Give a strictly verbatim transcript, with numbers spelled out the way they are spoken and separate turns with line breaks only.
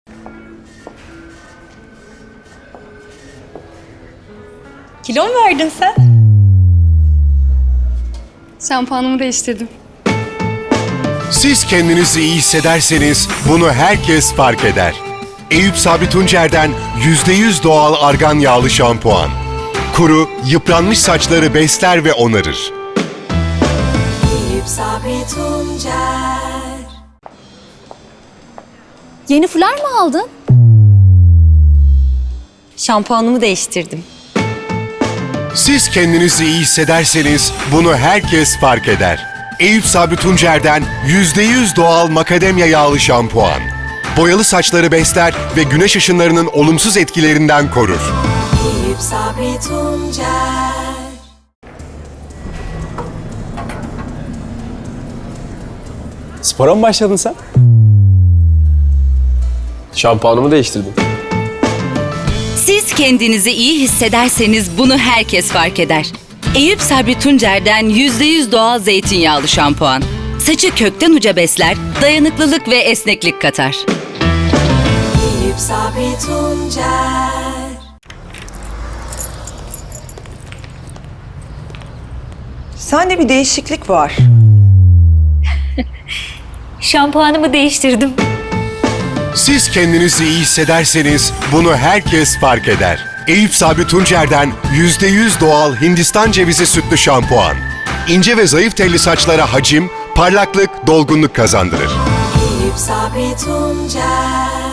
Kilo mu verdin sen?
Şampuanımı değiştirdim.
Siz kendinizi iyi hissederseniz bunu herkes fark eder. Eyüp Sabri Tuncer'den yüzde yüz doğal argan yağlı şampuan. Kuru, yıpranmış saçları besler ve onarır.
Eyüp Sabri Tuncer.
Yeni fular mı aldın?
Şampuanımı değiştirdim.
Siz kendinizi iyi hissederseniz bunu herkes fark eder. Eyüp Sabri Tuncer'den yüzde yüz doğal makademya yağlı şampuan. Boyalı saçları besler ve güneş ışınlarının olumsuz etkilerinden korur.
Eyüp Sabri Tuncer.
Spora mı başladın sen? Şampuanımı değiştirdim.
Siz kendinizi iyi hissederseniz bunu herkes fark eder. Eyüp Sabri Tuncer'den yüzde yüz doğal zeytinyağlı şampuan. Saçı kökten uca besler, dayanıklılık ve esneklik katar.
Eyüp Sabri Tuncer.
Sende bir değişiklik var.
Şampuanımı değiştirdim.
Siz kendinizi iyi hissederseniz bunu herkes fark eder. Eyüp Sabri Tuncer'den yüzde yüz doğal Hindistan cevizi sütlü şampuan. İnce ve zayıf telli saçlara hacim, parlaklık, dolgunluk kazandırır.
Eyüp Sabri Tuncer.